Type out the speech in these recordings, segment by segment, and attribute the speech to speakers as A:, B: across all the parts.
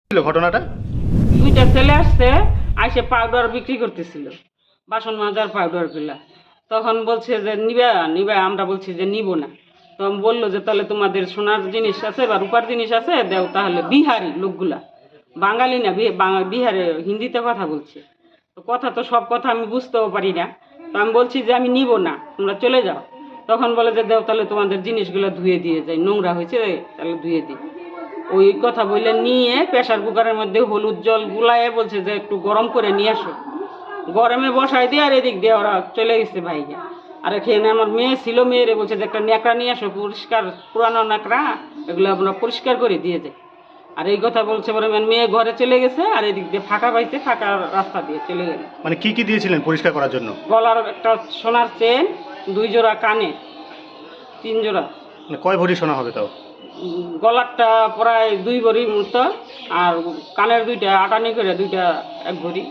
A: ঘটনাটা
B: দুইটা ছেলে আসছে, আইসে পাউডার বিক্রি করতেছিল, বাসন মাজার পাউডার গুলা। তখন বলছে যে নিবা নিবা, আমরা বলছি যে নিব না। তখন বললো যে তাহলে তোমাদের সোনার জিনিস আছে বা রূপার জিনিস আছে, দেও তাহলে। বিহারি লোকগুলা, বাঙালি না, বিহারে হিন্দিতে কথা বলছে। তো কথা তো সব কথা আমি বুঝতেও পারি না। তো আমি বলছি যে আমি নিব না, তোমরা চলে যাও। তখন বলে যে দেও তাহলে তোমাদের জিনিসগুলো ধুয়ে দিয়ে যায়, নোংরা হয়েছে তাহলে ধুয়ে দিই। ওই কথা বলে নিয়ে প্রেসার কুকারের মধ্যে হলুদ জল গুলায়ে বলছে যে একটু গরম করে নিয়ে আসো। গরমে বসাই দিয়ে আর এদিক দিয়ে ওরা চলে গেছে ভাইকে। আর এখানে আমার মেয়ে ছিল, মেয়েরে বলছে যে একটা ন্যাকড়া নিয়ে আসো, পরিষ্কার পুরানো ন্যাকড়া, এগুলো আমরা পরিষ্কার করে দিয়ে যাই। আর এই কথা বলছে পরে মেয়ে ঘরে চলে গেছে, আর এদিক দিয়ে ফাঁকা পাইছে, ফাঁকা রাস্তা দিয়ে চলে গেল।
A: মানে কি কি দিয়েছিলেন পরিষ্কার করার জন্য?
B: গলার একটা সোনার চেন, 2 জোড়া কানে, 3 জোড়া।
A: মানে কয় ভরি সোনা হবে তাও?
B: গলারটা প্রায় 2 ভরির মতো, আর কানের 2টা আটানি করে, 2টা 1 ভরি,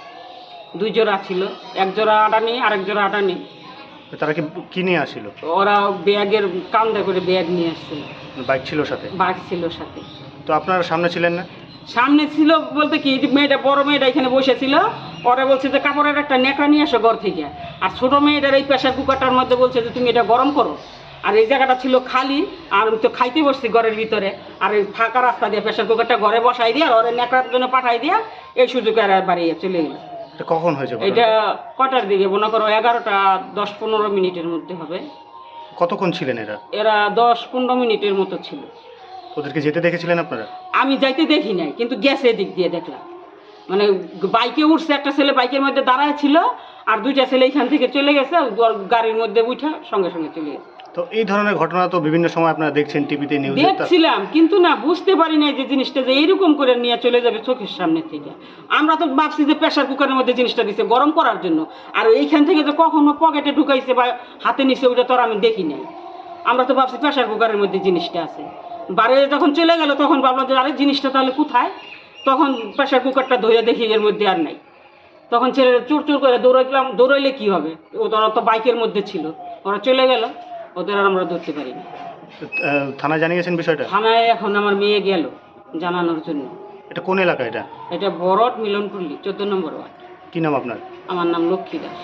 B: 2 জোড়া ছিল। 1 জোড়া আটানি, আরেক জোড়া আটানি।
A: তারা কি কি নিয়ে আসছিল?
B: ওরা ব্যাগের কান্দে করে ব্যাগ নিয়ে আসছিল।
A: বাইক ছিল সাথে?
B: বাইক ছিল সাথে।
A: তো আপনারা সামনে ছিলেন না?
B: সামনে ছিল বলতে কি, মেয়েটা, বড় মেয়েটা এখানে বসেছিল। ওরা বলছে যে কাপড়ের একটা ন্যাকড়া নিয়ে আসো ঘর থেকে। আর ছোট মেয়েটার এই প্রেসার কুকারটার মধ্যে বলছে যে তুমি এটা গরম করো। আর এই জায়গাটা ছিল খালি, আর আমি তো খাইতে বসছি ঘরের ভিতরে। আর এই ফাঁকা রাস্তা দিয়ে প্রেসার কুকারটা ঘরে বসাই দিয়ে, আর ওরা ন্যাকড়ার জন্য পাঠাই দিয়া এই সুযোগে আর বাড়িয়ে চলে গেল।
A: এটা কখন হয়েছে?
B: এটা কটার দিকে মনে করো, 11টা 10-15 মিনিটের মধ্যে হবে।
A: কতক্ষণ ছিলেন এরা?
B: এরা 10-15 মিনিটের মতো ছিল।
A: ওদেরকে যেতে দেখেছিলেন আপনারা?
B: আমি যাইতে দেখি নাই, কিন্তু গেছে দিক দিয়ে দেখলাম। মানে বাইকে উঠছে, একটা ছেলে বাইকের মধ্যে দাঁড়ায় ছিল, আর 2টা ছেলে এখান থেকে চলে গেছে, গাড়ির মধ্যে উঠে সঙ্গে সঙ্গে চলে গেছে।
A: তো এই ধরনের ঘটনা তো বিভিন্ন সময় আপনারা দেখছেন টিভিতে, নিউজে।
B: দেখছিলাম, কিন্তু না বুঝতে পারি নাই যে জিনিসটা যে এইরকম করে নিয়ে চলে যাবে চোখের সামনে থেকে। আমরা তো ভাবছি যে প্রেসার কুকারের মধ্যে জিনিসটা দিছে গরম করার জন্য, আর এইখান থেকে যে কখনো পকেটে ঢুকাইছে বা হাতে নিছে, ওটা তো আর আমি দেখি নাই। আমরা তো ভাবছি প্রেসার কুকারের মধ্যে জিনিসটা আছে। বাড়ি যখন চলে গেল তখন ভাবলাম যে আরে জিনিসটা তাহলে কোথায়। তখন প্রেসার কুকারটা ধরে দেখি এর মধ্যে আর নাই। তখন ছেলেরা চোর চোর করে দৌড়াইলাম, দৌড়াইলে কি হবে, ওরা তো বাইকের মধ্যে ছিল, ওরা চলে গেল, ওদের আর আমরা ধরতে পারিনি।
A: থানায় জানিয়েছেন বিষয়টা?
B: থানায় এখন আমার মেয়ে গেল জানানোর জন্য।
A: এটা কোন এলাকা এটা?
B: এটা বড়ট মিলনপল্লী, 14 নম্বর ওয়ার্ড।
A: কি নাম আপনার?
B: আমার নাম লক্ষ্মী দাস।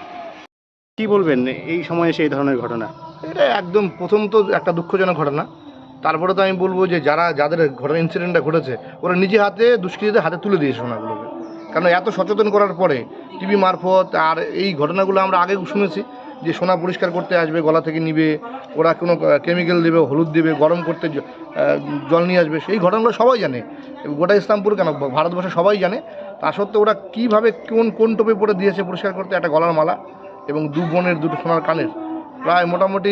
A: কি বলবেন এই সময় এসে এই ধরনের ঘটনা?
C: এটা একদম প্রথম তো একটা দুঃখজনক ঘটনা। তারপরে তো আমি বলবো যে যাদের ঘটনা ইনসিডেন্টটা ঘটেছে, ওরা নিজে হাতে দুষ্কৃতীদের হাতে তুলে দিয়েছে সোনাগুলোকে। কারণ এত সচেতন করার পরে টিভি মারফত আর এই ঘটনাগুলো আমরা আগে শুনেছি যে সোনা পরিষ্কার করতে আসবে, গলা থেকে নিবে, ওরা কোনো কেমিক্যাল দেবে, হলুদ দেবে, গরম করতে জল নিয়ে আসবে। সেই ঘটনাগুলো সবাই জানে, গোটা ইসলামপুর কেন ভারতবর্ষে সবাই জানে। তা সত্ত্বেও ওরা কীভাবে কোন টোপে পরে দিয়েছে পরিষ্কার করতে, একটা গলার মালা এবং 2 বোনের 2টো সোনার কানের, প্রায় মোটামুটি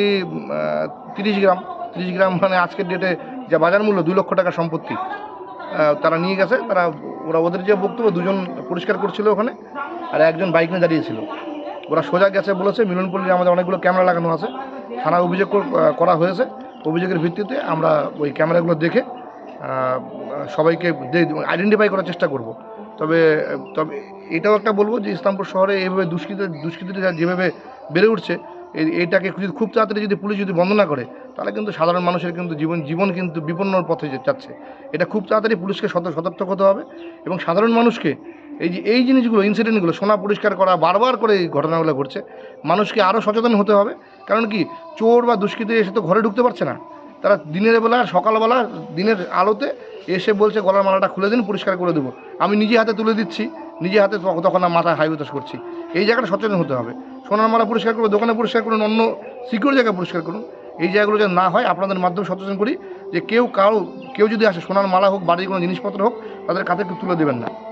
C: 30 গ্রাম মানে আজকের ডেটে যা বাজার মূল্য 2 লক্ষ টাকার সম্পত্তি তারা নিয়ে গেছে। ওদের যে বক্তব্য, 2জন পরিষ্কার করছিল ওখানে, আর একজন বাইক নিয়ে দাঁড়িয়েছিল। ওরা সোজা গেছে বলেছে মিলনপল্লী, আমাদের অনেকগুলো ক্যামেরা লাগানো আছে, থানায় অভিযোগ করা হয়েছে। অভিযোগের ভিত্তিতে আমরা ওই ক্যামেরাগুলো দেখে সবাইকে আইডেন্টিফাই করার চেষ্টা করব। তবে এটাও একটা বলবো যে ইসলামপুর শহরে এইভাবে দুষ্কৃতীরা যেভাবে বেড়ে উঠছে, এইটাকে খুব তাড়াতাড়ি যদি পুলিশ যদি বন্ধ না করে, তাহলে কিন্তু সাধারণ মানুষের কিন্তু জীবন কিন্তু বিপন্নর পথে যাচ্ছে। এটা খুব তাড়াতাড়ি পুলিশকে সতর্ক হতে হবে এবং সাধারণ মানুষকে এই জিনিসগুলো, ইনসিডেন্টগুলো, সোনা পরিষ্কার করা বারবার করে এই ঘটনাগুলো ঘটছে, মানুষকে আরও সচেতন হতে হবে। কারণ কি, চোর বা দুষ্কৃতী এসে তো ঘরে ঢুকতে পারছে না, তারা দিনের বেলা, সকালবেলা দিনের আলোতে এসে বলছে গলার মালাটা খুলে দিন, পরিষ্কার করে দেবো, আমি নিজে হাতে তুলে দিচ্ছি, নিজে হাতে, তখন আমি মাথায় হাই উতাস করছি। এই জায়গাটা সচেতন হতে হবে। সোনার মালা পরিষ্কার করবে, দোকানে পরিষ্কার করুন, অন্য সিকিউর জায়গায় পরিষ্কার করুন। এই জায়গাগুলো যেন না হয়, আপনাদের মাধ্যমে সচেতন করি যে কেউ যদি আসে, সোনার মালা হোক, বাড়ির কোনো জিনিসপত্র হোক, তাদের কাছে তুলে দেবেন না।